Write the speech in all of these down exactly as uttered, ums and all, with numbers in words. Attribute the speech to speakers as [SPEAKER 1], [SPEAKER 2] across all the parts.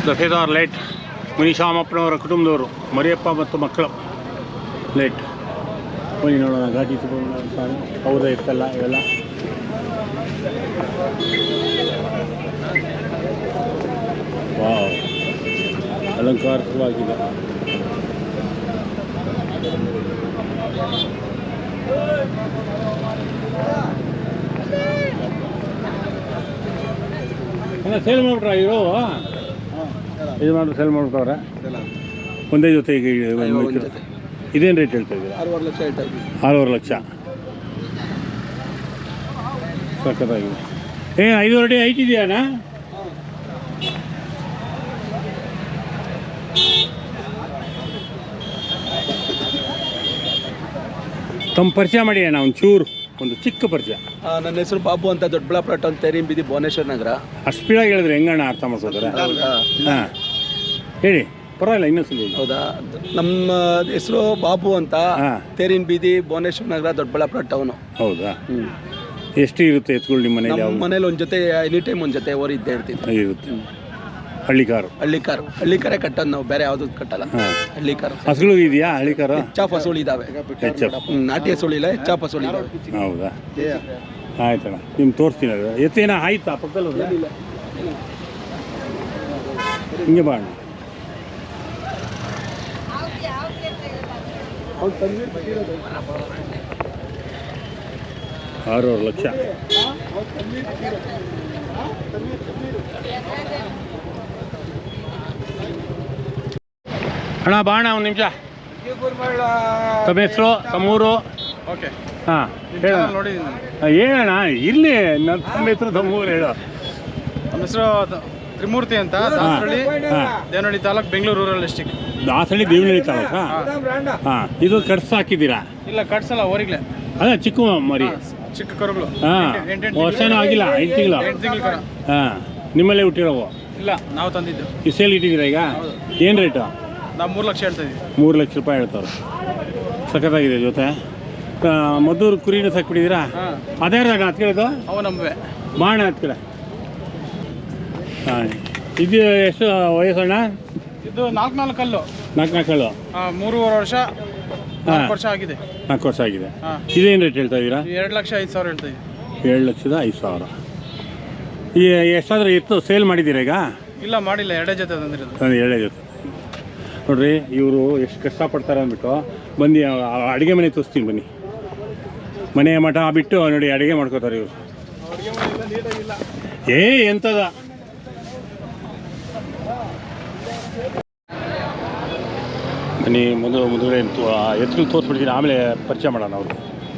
[SPEAKER 1] ದಫೇದಾರ್ light ಮುನಿಶಾಮಪ್ಪನವರ ಕುಟುಂಬದವರು ಮರಿಯಪ್ಪ ಮತ್ತು ಮಕ್ಕಳು ಲೈಟ್ ಬನ್ನಿ ನೋಡೋಣ ಘಾಟಿ ಹೌದಾ ಇರ್ತಲ್ಲ ಇವೆಲ್ಲ ವಾವ್ ಅಲಂಕಾರಿಕವಾಗಿದೆ. ಅಲ್ಲ ಸೇಲ್ ಮಾಡ್ಬಿಟ್ರ ಇರೋ ಇದು ಮಾಡಿ ಸೇಲ್ ಮಾಡ್ಬಿಟ್ಟವ್ರೆ ಒಂದೇ ಜೊತೆ ಈಗ ಇದೇನು ರೇಟ್ ಹೇಳ್ತಾ ಇದ್ದೀರಾ?
[SPEAKER 2] ಆರೂವರೆ ಲಕ್ಷ ಹೇಳ್ತಾ ಇದ್ದೀವಿ.
[SPEAKER 1] ಆರೂವರೆ ಲಕ್ಷ ಸಖತ್ತಾಗಿದೆ. ಏ ಐದೂವರೆ ಅಡಿ ಹೈಟ್ ಇದೆಯಾಣ್ಣ? ತಮ್ಮ ಪರಿಚಯ ಮಾಡಿ ಅಣ್ಣ ಒಂದು ಚೂರು, ಒಂದು ಚಿಕ್ಕ ಪರಿಚಯ.
[SPEAKER 2] ನನ್ನ ಹೆಸರು ಬಾಬು ಅಂತ, ದೊಡ್ಡಬಳ್ಳಾಪುರ ಟೌನ್ ತೇರಿನ ಬೀದಿ ಭುವನೇಶ್ವರ ನಗರ.
[SPEAKER 1] ಅಷ್ಟು ಸ್ಪೀಡಾಗಿ ಹೇಳಿದ್ರೆ ಹೆಂಗಣ್ಣ ಅರ್ಥ ಮಾಡ್ಕೋತಾರೆ? ಹಾಂ ಹೇಳಿ, ಪರವಾಗಿಲ್ಲ ಇನ್ನೊಂದ್ಸಲಿ.
[SPEAKER 2] ಹೌದಾ, ನಮ್ಮ ಹೆಸರು ಬಾಬು ಅಂತ, ತೇರಿನ ಬೀದಿ ಭುವನೇಶ್ವರ ನಗರ, ದೊಡ್ಡಬಳ್ಳಾಪುರ ಟೌನು.
[SPEAKER 1] ಹೌದಾ? ಎಷ್ಟು ಇರುತ್ತೆ ಎತ್ಕೊಳ್ಳಿ ನಿಮ್ಮ ಮನೇಲಿ?
[SPEAKER 2] ನಮ್ಮ ಮನೇಲಿ ಒಂದು ಜೊತೆ ಎನಿ ಟೈಮ್ ಒಂದು ಜೊತೆ ಓರಿ ಇದ್ದೇ ಇರ್ತೀನಿ.
[SPEAKER 1] ಇರುತ್ತೆ. ಹಳ್ಳಿ ಕಾರು?
[SPEAKER 2] ಹಳ್ಳಿ ಕಾರು ಹಳ್ಳಿ ಕಾರೇ ಕಟ್ಟೋದು ನಾವು, ಬೇರೆ ಯಾವುದು ಕಟ್ಟಲ್ಲ. ಹಳ್ಳಿ ಕಾರು.
[SPEAKER 1] ಹಸುಳು ಇದೆಯಾ ಹಳ್ಳಿ ಕಾರು?
[SPEAKER 2] ಹೆಚ್ಚಾಪ್ ಹಸುಳು ಇದಾವೆ. ನಾಟಿ ಹಸುಳು ಇಲ್ಲ, ಹೆಚ್ಚಾಪ್ ಹಸುಳು ಇದಾವೆ.
[SPEAKER 1] ಹೌದಾ? ಆಯ್ತಣ್ಣ, ನಿಮ್ಗೆ ತೋರಿಸ್ತೀನಿ. ಅದು ಎತ್ತೇನ ಆಯ್ತಾ ಪಕ್ಕದಲ್ಲಿ? ಹಿಂಗೆ ಬಾ ಅಣ್ಣ. ಆರೂವರೆ ಲಕ್ಷ. ಅಣ್ಣ ಬಾ ಅಣ್ಣ ಒಂದು ನಿಮಿಷ. ತಮ್ಮ ಹೆಸರು, ತಮ್ಮೂರು?
[SPEAKER 2] ಓಕೆ
[SPEAKER 1] ಹಾಂ ಹೇಳ. ಹೇಳಣ್ಣ, ಇರಲಿ. ನನ್ನ ತಮ್ಮ ಹೆಸರು ತಮ್ಮೂರು ಹೇಳು.
[SPEAKER 2] ನಮ್ಮ ಹೆಸರು ತ್ರಿಮೂರ್ತಿ ಅಂತ, ದಾಸರಳ್ಳಿ ದೇವನಹಳ್ಳಿ ತಾಲೂಕು, ಬೆಂಗಳೂರು ರೂರಲ್ ಡಿಸ್ಟಿಕ್.
[SPEAKER 1] ದಾಸರಳ್ಳಿ ದೇವನಹಳ್ಳಿ ತಾಲೂಕಾ? ಹಾಂ. ಇದು ಕಟ್ಸ್ ಹಾಕಿದ್ದೀರಾ?
[SPEAKER 2] ಇಲ್ಲ, ಕಟ್ಸಲ್ಲ, ಹೊರಗ್ಲೆ.
[SPEAKER 1] ಅದೇ ಚಿಕ್ಕ ಮರಿ,
[SPEAKER 2] ಚಿಕ್ಕ ಕರುಗಳು.
[SPEAKER 1] ಹಾಂ, ವರ್ಷನೂ ಆಗಿಲ್ಲ, ಐದು ತಿಂಗಳು.
[SPEAKER 2] ಎಂಟು ತಿಂಗಳು ಕರ.
[SPEAKER 1] ಹಾಂ, ನಿಮ್ಮಲ್ಲೇ ಹುಟ್ಟಿರೋವು?
[SPEAKER 2] ಇಲ್ಲ, ನಾವು ತಂದಿದ್ದು.
[SPEAKER 1] ಈ ಸೇಲ್ ಇಟ್ಟಿದ್ದೀರಾ ಈಗ? ಏನು ರೇಟು?
[SPEAKER 2] ನಾವು ಮೂರು ಲಕ್ಷ ಹೇಳ್ತಾ ಇದ್ದೀವಿ.
[SPEAKER 1] ಮೂರು ಲಕ್ಷ ರೂಪಾಯಿ ಹೇಳ್ತಾರೆ. ಸಖತ್ತಾಗಿದೆ. ಜೊತೆ ಮದ್ದೂರು ಕುರಿನೂ ಸಾಕ್ಬಿಟ್ಟಿದ್ದೀರಾ? ಅದೇ ಜಾಗ ಹತ್ತು ಕೇಳೋದು?
[SPEAKER 2] ಅವು ನಮ್ಮವೆ.
[SPEAKER 1] ಬಾಣ ಹತ್ತು ಕಡೆ. ಹಾಂ, ಇದು ಎಷ್ಟು ವಯಸ್ಸಣ್ಣ?
[SPEAKER 2] ಇದು ನಾಲ್ಕು ನಾಲ್ಕು ಕಲ್ಲು.
[SPEAKER 1] ನಾಲ್ಕು ನಾಲ್ಕು ಕಲ್ಲು.
[SPEAKER 2] ಹಾಂ, ಮೂರುವರೆ ವರ್ಷ, ನಾಲ್ಕು ವರ್ಷ ಆಗಿದೆ.
[SPEAKER 1] ನಾಲ್ಕು ವರ್ಷ ಆಗಿದೆ. ಇದೇನು ರೇಟ್ ಹೇಳ್ತಾ ಇದ್ದೀರಾ?
[SPEAKER 2] ಎರಡು ಲಕ್ಷ ಐದು ಸಾವಿರ ಹೇಳ್ತಾ ಇದ್ದೀವಿ.
[SPEAKER 1] ಏಳು ಲಕ್ಷದ ಐದು ಸಾವಿರ. ಈ ಎಷ್ಟಾದರೂ ಎತ್ತು ಸೇಲ್ ಮಾಡಿದ್ದೀರಾ ಈಗ?
[SPEAKER 2] ಇಲ್ಲ, ಮಾಡಿಲ್ಲ, ಎರಡೇ ಜೊತೆ ತಂದಿರೋದು.
[SPEAKER 1] ನಾನು ಎರಡೇ ಜೊತೆ. ನೋಡ್ರಿ, ಇವರು ಎಷ್ಟು ಕಷ್ಟಪಡ್ತಾರೆ ಅಂದ್ಬಿಟ್ಟು ಬಂದು ಅಡುಗೆ ಮನೆ ತೋರಿಸ್ತೀನಿ ಬನ್ನಿ. ಮನೆ ಮಠ ಬಿಟ್ಟು ನೋಡಿ ಅಡುಗೆ ಮಾಡ್ಕೋತಾರೆ ಇವರು. ಏ ಎಂಥದ ಬನ್ನಿ. ಮೊದಲು ಮೊದಲೇ ಎತ್ತು ತೋರಿಸ್ಬಿಡ್ತೀನಿ, ಆಮೇಲೆ ಪರಿಚಯ ಮಾಡೋಣ ಅವರು.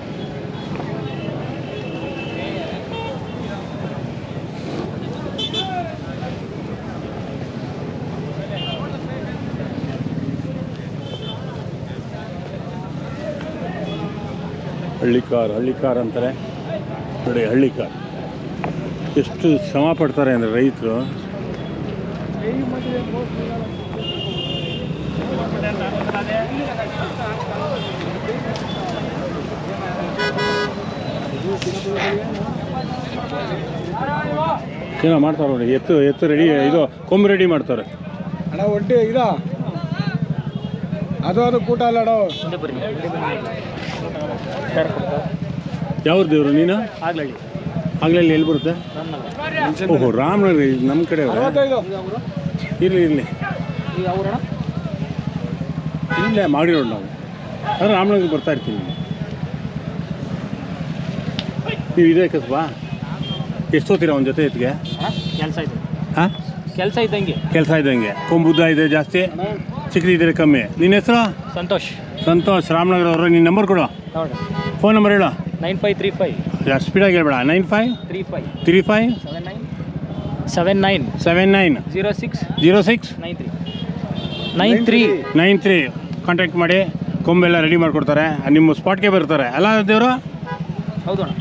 [SPEAKER 1] ಹಳ್ಳಿ ಕಾರ್, ಹಳ್ಳಿ ಕಾರ್ ಅಂತಾರೆ ನೋಡಿ. ಹಳ್ಳಿ ಕಾರ್ ಎಷ್ಟು ಶ್ರಮ ಪಡ್ತಾರೆ ಅಂದರೆ ರೈತರು. ಏನೋ ಮಾಡ್ತಾರೆ ನೋಡಿ. ಎತ್ತು ಎತ್ತು ರೆಡಿ, ಇದು ಕೊಂಬು ರೆಡಿ ಮಾಡ್ತಾರೆ.
[SPEAKER 2] ಅಣ್ಣ ಒಡ್ಡಿ ಇದಾ ಅದು ಅದು ಕೂಟ ಅಲ್ಲ ಅಣ್ಣ.
[SPEAKER 1] ಯಾವ್ದು ದೇವರು ನೀನು?
[SPEAKER 2] ಆಗ್ಲಳ್ಳಿ.
[SPEAKER 1] ಆಗ್ಲಳ್ಳಿ ಎಲ್ಲಿ ಬರುತ್ತೆ? ಓಹೋ, ರಾಮನಗರ ನಮ್ಮ ಕಡೆ. ಇರಲಿ ಇರಲಿ, ಇಲ್ಲೇ ಮಾಡಿರೋದು ನಾವು. ಆದರೆ ರಾಮನಗರ ಬರ್ತಾ ಇರ್ತೀವಿ. ನೀವು ಇದೇ ಕಸಬಾ? ಎಷ್ಟು ಹೋಗ್ತೀರಾ ಒಂದು ಜೊತೆ ಎತ್ತಿಗೆ?
[SPEAKER 2] ಕೆಲಸ ಇದೆ.
[SPEAKER 1] ಹಾಂ,
[SPEAKER 2] ಕೆಲಸ ಇದ್ದಂಗೆ.
[SPEAKER 1] ಕೆಲಸ ಇದ್ದಂಗೆ. ಕೊಂಬುದ್ದ ಇದೆ ಜಾಸ್ತಿ, ಚಿಕ್ಕದಿದ್ರೆ ಕಮ್ಮಿ. ನಿನ್ನ ಹೆಸರು?
[SPEAKER 2] ಸಂತೋಷ್.
[SPEAKER 1] ಸಂತೋಷ್, ರಾಮನಗರ ಅವರು. ನಿನ್ನ ನಂಬರ್ ಕೊಡು,
[SPEAKER 2] ನೋಡಿ.
[SPEAKER 1] ಫೋನ್ ನಂಬರ್ ಹೇಳು.
[SPEAKER 2] Nine five three five.
[SPEAKER 1] ಜಾಸ್ತಿ ಸ್ಪೀಡಾಗಿ ಹೇಳ್ಬೇಡ. Nine five
[SPEAKER 2] three five
[SPEAKER 1] three five
[SPEAKER 2] seven nine seven nine
[SPEAKER 1] seven nine
[SPEAKER 2] zero six
[SPEAKER 1] zero six
[SPEAKER 2] nine three nine three
[SPEAKER 1] nine three contact ಮಾಡಿ. ಕೊಂಬೆಲ್ಲ ರೆಡಿ ಮಾಡಿಕೊಡ್ತಾರೆ. ನಿಮ್ಮ ಸ್ಪಾಟ್ಗೆ ಬರ್ತಾರೆ ಅಲ್ಲ ದೇವರು?
[SPEAKER 2] ಹೌದು ಅಣ್ಣ.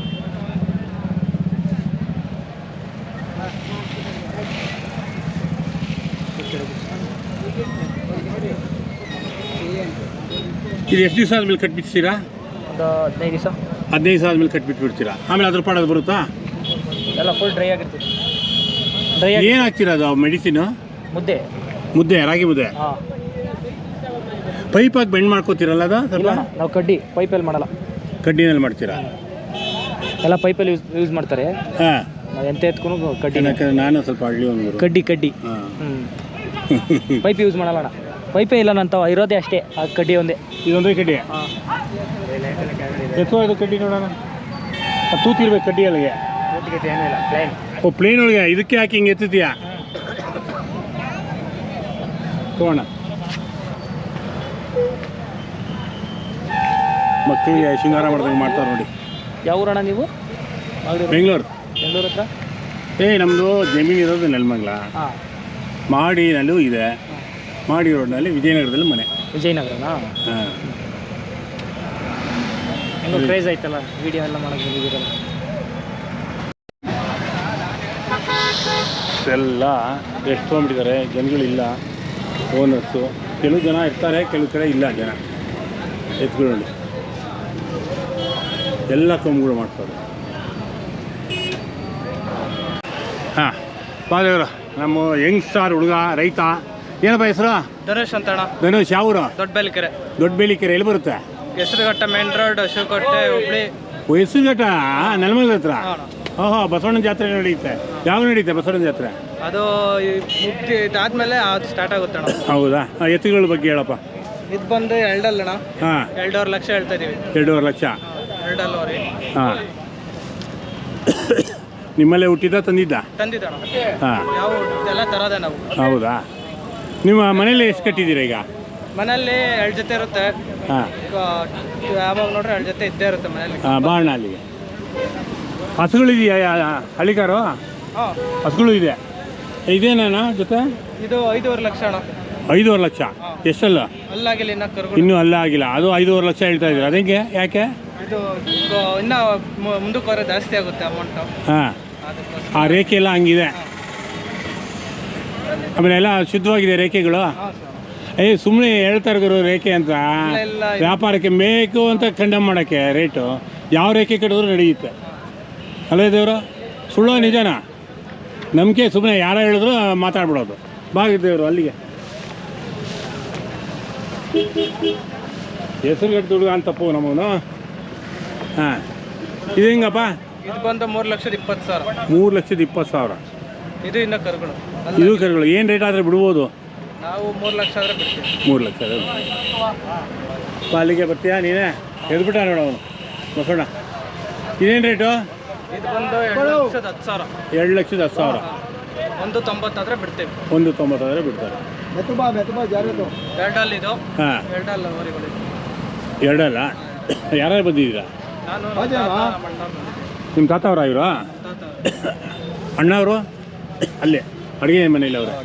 [SPEAKER 1] ಇದು ಎಷ್ಟು ದಿವಸ ಆದ್ಮೇಲೆ ಕಟ್ಬಿಡ್ತೀರಾ?
[SPEAKER 2] ಒಂದು ಹದಿನೈದು ದಿವಸ.
[SPEAKER 1] ಹದಿನೈದು ದಿವಸ ಆದ್ಮೇಲೆ ಕಟ್ಬಿಟ್ಬಿಡ್ತೀರಾ? ಆಮೇಲೆ ಅದ್ರ ಪಾಡೋದು ಬರುತ್ತಾ?
[SPEAKER 2] ಎಲ್ಲ ಫುಲ್ ಡ್ರೈ ಆಗಿರ್ತದೆ. ಡ್ರೈ
[SPEAKER 1] ಏನು ಹಾಕ್ತೀರಾ ಅದು ಮೆಡಿಸಿನು?
[SPEAKER 3] ಮುದ್ದೆ
[SPEAKER 1] ಮುದ್ದೆ ರಾಗಿ ಮುದ್ದೆ
[SPEAKER 3] ಹಾಂ.
[SPEAKER 1] ಪೈಪಾಗಿ ಬೆಂಡ್ ಮಾಡ್ಕೋತೀರಲ್ಲ ಅದು ಸ್ವಲ್ಪ
[SPEAKER 3] ಇಲ್ಲ ನಾವು ಕಡ್ಡಿ ಪೈಪಲ್ಲಿ ಮಾಡಲ್ಲ,
[SPEAKER 1] ಕಡ್ಡಿನಲ್ಲಿ ಮಾಡ್ತೀರಾ?
[SPEAKER 3] ಎಲ್ಲ ಪೈಪಲ್ಲಿ ಯೂಸ್ ಯೂಸ್ ಮಾಡ್ತಾರೆ.
[SPEAKER 1] ಹಾಂ,
[SPEAKER 3] ನಾವು ಎಂತ ಎತ್ಕೊಂಡು ಕಡ್ಡಿ
[SPEAKER 1] ಯಾಕಂದ್ರೆ ನಾನು ಸ್ವಲ್ಪ ಹಳ್ಳಿ ಒಂದು
[SPEAKER 3] ಕಡ್ಡಿ ಕಡ್ಡಿ
[SPEAKER 1] ಹಾಂ
[SPEAKER 3] ಹ್ಞೂ ಪೈಪ್ ಯೂಸ್ ಮಾಡಲ್ಲ ಅಣ್ಣ. ಪೈಪೇ ಇಲ್ಲ ನಂತ ಇರೋದೇ ಅಷ್ಟೇ, ಆ ಕಡ್ಡಿ ಒಂದೇ.
[SPEAKER 1] ಇದೊಂದೇ ಕಡ್ಡಿ
[SPEAKER 3] ಹಾಂ
[SPEAKER 1] ಎತ್ತೋ ಇದು ಕಡ್ಡಿ ನೋಡೋಣ. ಅದು ತೂತಿರ್ಬೇಕು ಕಡ್ಡಿ ಒಳಗೆ.
[SPEAKER 3] ಏನೂ ಇಲ್ಲ ಪ್ಲೇನ್.
[SPEAKER 1] ಓ ಪ್ಲೇನ್ ಒಳಗೆ ಇದಕ್ಕೆ ಹಾಕಿ ಹಿಂಗೆ ಎತ್ತಿದ್ಯಾ? ತಗೋಣ. ಮಕ್ಕಳಿಗೆ ಶೃಂಗಾರ ಮಾಡ್ದಂಗೆ ಮಾಡ್ತಾರೆ ನೋಡಿ.
[SPEAKER 3] ಯಾವ ಊರಣ್ಣ ನೀವು?
[SPEAKER 1] ಬೆಂಗಳೂರು.
[SPEAKER 3] ಬೆಂಗಳೂರು ಹತ್ರ?
[SPEAKER 1] ಏ ನಮ್ಮದು ಜಮೀನು ಇರೋದು ನೆಲಮಂಗಲ.
[SPEAKER 3] ಹಾಂ.
[SPEAKER 1] ಮಾಡಿನಲ್ಲೂ ಇದೆ, ಮಾಡಿ ರೋಡ್ನಲ್ಲಿ ವಿಜಯನಗರದಲ್ಲಿ ಮನೆ.
[SPEAKER 3] ವಿಜಯನಗರನಾ?
[SPEAKER 1] ಹಾಂ.
[SPEAKER 3] ಹೆಂಗೋ ಕ್ರೇಜ್ ಆಯ್ತಲ್ಲ ವಿಡಿಯೋ ಎಲ್ಲ ಮಾಡೋಕ್ಕೆ ಬಂದಿದ್ದೀರಲ್ಲ.
[SPEAKER 1] ಎಲ್ಲ ಎಷ್ಟು ತೊಗೊಂಡ್ಬಿಟ್ಟಿದ್ದಾರೆ, ಜನಗಳಿಲ್ಲ, ಓನರ್ಸು. ಕೆಲವು ಜನ ಇರ್ತಾರೆ, ಕೆಲವು ಕಡೆ ಇಲ್ಲ ಜನ. ಎತ್ಗಳು ನೋಡಿ ಎಲ್ಲ ಕೊಂಬುಗಳು ಮಾಡ್ತಾರೆ. ಹಾಂ ಬಾದೇವ್ರ ನಮ್ಮ ಯಂಗ್ ಸ್ಟಾರ್ ಹುಡುಗ ರೈತ. ಏನಪ್ಪ ಹೆಸರು?
[SPEAKER 3] ಧನುಷ್ ಅಂತ ಅಣ್ಣ.
[SPEAKER 1] ಧನುಷ್ ಯಾವೂರು?
[SPEAKER 3] ದೊಡ್ಡ ಬೇಲಿಕೆರೆ.
[SPEAKER 1] ದೊಡ್ಡ ಬೇಲಿಕೆರೆ ಎಲ್ಲಿ ಬರುತ್ತೆ?
[SPEAKER 3] Hesaraghatta main road, Shivakote, Hubli.
[SPEAKER 1] ಹೆಸರುಘಟ್ಟ ನೆಲಮಂಗಲ ಹತ್ರ. ಓಹೋ, ಬಸವಣ್ಣನ ಜಾತ್ರೆ ನಡೆಯುತ್ತೆ. ಯಾವಾಗ ನಡೆಯುತ್ತೆ ಬಸವಣ್ಣನ ಜಾತ್ರೆ?
[SPEAKER 3] ಅದು ಮುಕ್ತಿ ಇದಾದ್ಮೇಲೆ ಅದು ಸ್ಟಾರ್ಟ್ ಆಗುತ್ತೆ ಅಣ್ಣ.
[SPEAKER 1] ಹೌದಾ? ಎತ್ತುಗಳ ಬಗ್ಗೆ ಹೇಳಪ್ಪ.
[SPEAKER 3] ಇದು ಬಂದು ಎರಡಲ್ಲ ಅಣ್ಣ.
[SPEAKER 1] ಹಾಂ,
[SPEAKER 3] ಎರಡೂವರೆ ಲಕ್ಷ ಹೇಳ್ತಾ ಇದೀವಿ.
[SPEAKER 1] ಎರಡೂವರೆ ಲಕ್ಷ.
[SPEAKER 3] ಎರಡಲ್ಲೂವರೆ.
[SPEAKER 1] ಹಾಂ. ನಿಮ್ಮಲ್ಲೇ ಹುಟ್ಟಿದ್ದ ತಂದಿದ್ದ?
[SPEAKER 3] ತಂದಿದ್ದಣ.
[SPEAKER 1] ಹಾಂ.
[SPEAKER 3] ಯಾವ ಎಲ್ಲ ತರೋದೆ ನಾವು.
[SPEAKER 1] ಹೌದಾ? ನಿಮ್ಮ ಮನೇಲಿ ಎಷ್ಟು ಕಟ್ಟಿದ್ದೀರಾ ಈಗ?
[SPEAKER 3] ಮನೆಯಲ್ಲಿ ಎರಡು ಜೊತೆ ಇರುತ್ತೆ.
[SPEAKER 1] ಹಾಂ.
[SPEAKER 3] ಯಾವಾಗ ನೋಡ್ರೆ ಎರಡು ಜೊತೆ ಇದ್ದೇ ಇರುತ್ತೆ ಮನೇಲಿ.
[SPEAKER 1] ಹಾಂ, ಬಾಣ ಅಲ್ಲಿಗೆ. ಹಸುಗಳಿದೆಯಾ ಹಳ್ಳಿಕಾರು?
[SPEAKER 3] ಹಾಂ,
[SPEAKER 1] ಹಸುಗಳು ಇದೆ. ಇದೇನಣ್ಣ ಜೊತೆ?
[SPEAKER 3] ಇದು ಐದೂವರೆ ಲಕ್ಷ ಅಣ್ಣ.
[SPEAKER 1] ಐದೂವರೆ ಲಕ್ಷ? ಎಷ್ಟಲ್ಲ?
[SPEAKER 3] ಅಲ್ಲಾಗಿಲ್ಲ ಇನ್ನ ಕರ್ಗಳು.
[SPEAKER 1] ಇನ್ನೂ ಅಲ್ಲ ಆಗಿಲ್ಲ. ಅದು ಐದೂವರೆ ಲಕ್ಷ ಹೇಳ್ತಾ ಇದ್ದೀರಾ, ಅದೇಗೆ ಯಾಕೆ?
[SPEAKER 3] ಇದು ಇನ್ನೂ ಮುಂದಕ್ಕೆ ಬರೋ ಜಾಸ್ತಿ ಆಗುತ್ತೆ ಅಮೌಂಟು.
[SPEAKER 1] ಹಾಂ,
[SPEAKER 3] ಅದಕ್ಕೋಸ್ಕರ.
[SPEAKER 1] ಆ ರೇಖೆ ಎಲ್ಲ ಹಂಗಿದೆ. ಆಮೇಲೆ ಎಲ್ಲ ಶುದ್ಧವಾಗಿದೆ ರೇಖೆಗಳು.
[SPEAKER 3] ಹಾಂ ಸರ್.
[SPEAKER 1] ಏ ಸುಮ್ಮನೆ ಹೇಳ್ತಾರೆ ಗುರು ರೇಖೆ ಅಂತ,
[SPEAKER 3] ಇಲ್ಲ.
[SPEAKER 1] ವ್ಯಾಪಾರಕ್ಕೆ ಮೇಕು ಅಂತ ಕಂಡಮ್ ಮಾಡೋಕ್ಕೆ ರೇಟು. ಯಾವ ರೇಖೆ ಕಟ್ಟಿದ್ರು ನಡೆಯುತ್ತೆ ಅಲ್ಲೇ ದೇವರು. ಸುಳ್ಳು ನಿಜನಾ? ನಂಬಿಕೆ ಸುಮ್ಮನೆ ಯಾರೋ ಹೇಳಿದ್ರು ಮಾತಾಡ್ಬಿಡೋದು. ಬಾಗಿದ್ದೇವರು ಅಲ್ಲಿಗೆ. ಹೆಸರುಗಟ್ಟು ದುಡ್ಡು ಅಂತಪ್ಪು ನಮ್ಮವನು. ಹಾಂ, ಇದು ಹೆಂಗಪ್ಪ?
[SPEAKER 3] ಇದು ಬಂದು ಮೂರು ಲಕ್ಷದ ಇಪ್ಪತ್ತು ಸಾವಿರ.
[SPEAKER 1] ಮೂರು ಲಕ್ಷದ ಇಪ್ಪತ್ತು ಸಾವಿರ.
[SPEAKER 3] ಇದು ಇನ್ನೂ ಕರುಗಳು.
[SPEAKER 1] ಇದು ಕರುಗಳು ಏನು ರೇಟ್ ಆದರೆ ಬಿಡ್ಬೋದು?
[SPEAKER 3] ನಾವು ಮೂರು ಲಕ್ಷ ಆದರೆ ಬಿಡ್ತೀವಿ.
[SPEAKER 1] ಮೂರು ಲಕ್ಷ ಅಲ್ಲಿಗೆ ಬರ್ತೀಯಾ ನೀನೇ? ಎದ್ಬಿಟ್ಟ ನೋಡು ಅವನು ಬಸೋಣ. ಇದೇನು ರೇಟು?
[SPEAKER 3] ಇದು ಬಂದು ಎರಡು ಲಕ್ಷದ ಹತ್ತು ಸಾವಿರ.
[SPEAKER 1] ಎರಡು ಲಕ್ಷದ ಹತ್ತು ಸಾವಿರ.
[SPEAKER 3] ಒಂದು ತೊಂಬತ್ತಾದರೆ ಬಿಡ್ತೀವಿ.
[SPEAKER 1] ಒಂದು ತೊಂಬತ್ತಾದರೆ ಬಿಡ್ತಾರೆ.
[SPEAKER 3] ಎರಡಲ್ಲಿ ಇದು.
[SPEAKER 1] ಹಾಂ,
[SPEAKER 3] ಎರಡಲ್ಲ ವರಿಗಳು.
[SPEAKER 1] ಎರಡಲ್ಲ. ಯಾರ್ಯಾರು ಬಂದಿದ್ದೀರಾ?
[SPEAKER 3] ನಾನು
[SPEAKER 1] ನಿಮ್ಮ ತಾತ ಅವರ ಇವರು? ಅಣ್ಣವರು ಅಲ್ಲೇ ಅಡುಗೆ ಮನೇಲಿ ಅವರು.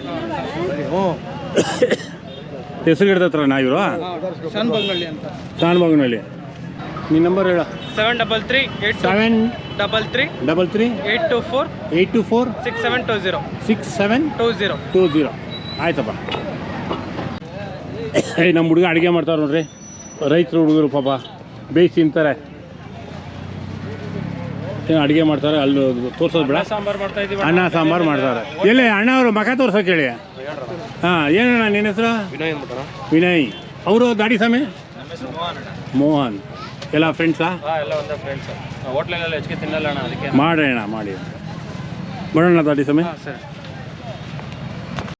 [SPEAKER 1] ಹೆಸರುಗಡ್ದ ಹತ್ರ ನಾ ಇವರು?
[SPEAKER 3] ಶಾನ್ಬಾಗ್ನಳ್ಳಿ ಅಂತ.
[SPEAKER 1] ಶಾನ್ಬಾಗ್ನಳ್ಳಿ. ನಿಮ್ಮ ನಂಬರ್ ಹೇಳ.
[SPEAKER 3] Seven double three eight
[SPEAKER 1] seven
[SPEAKER 3] double three
[SPEAKER 1] double three
[SPEAKER 3] eight two four
[SPEAKER 1] eight two four
[SPEAKER 3] six seven two zero
[SPEAKER 1] six seven
[SPEAKER 3] two zero
[SPEAKER 1] two zero. ಆಯ್ತಪ್ಪ. ಏಯ್ ನಮ್ಮ ಹುಡುಗ ಅಡುಗೆ ಮಾಡ್ತಾರೆ ನೋಡ್ರಿ. ರೈತರು ಹುಡುಗರು ಪಾಪ ಬೇಯಿಸಿ ತಿಂತಾರೆ. ಏನು ಅಡುಗೆ ಮಾಡ್ತಾರೆ ಅಲ್ಲಿ ತೋರ್ಸೋದು ಬೇಡ.
[SPEAKER 3] ಸಾಂಬಾರು ಮಾಡ್ತಾ ಇದ್ದೀವಿ.
[SPEAKER 1] ಅನ್ನ ಸಾಂಬಾರು ಮಾಡ್ತಾರೆ. ಎಲ್ಲಿ ಅಣ್ಣ ಅವರು ಮಖ ತೋರ್ಸೋಕೆ ಹೇಳಿ. ಹಾಂ, ಏನಣ್ಣ ನಿನ್ನ ಹೆಸರು?
[SPEAKER 3] ವಿನಯ್ ಅಂದ್ಬಿಟ್ಟಾರ.
[SPEAKER 1] ವಿನಯ್. ಅವರು ದಾಡಿ ಸ್ವಾಮಿ? ಮೋಹನ್. ಎಲ್ಲ ಫ್ರೆಂಡ್ಸಾ?
[SPEAKER 3] ಹಾಂ, ಎಲ್ಲ ಒಂದೇ ಫ್ರೆಂಡ್ಸ್. ಹೋಟ್ಲಲ್ಲೆಲ್ಲ ಹೆಚ್ಚಿಗೆ ತಿನ್ನಲ್ಲ ಅಣ್ಣ, ಅದಕ್ಕೆ
[SPEAKER 1] ಮಾಡೋಣ ಮಾಡಿ. ಬರೋಣ ದಾಡಿ ಸ್ವಾಮಿ.
[SPEAKER 3] ಹಾಂ ಸರಿ.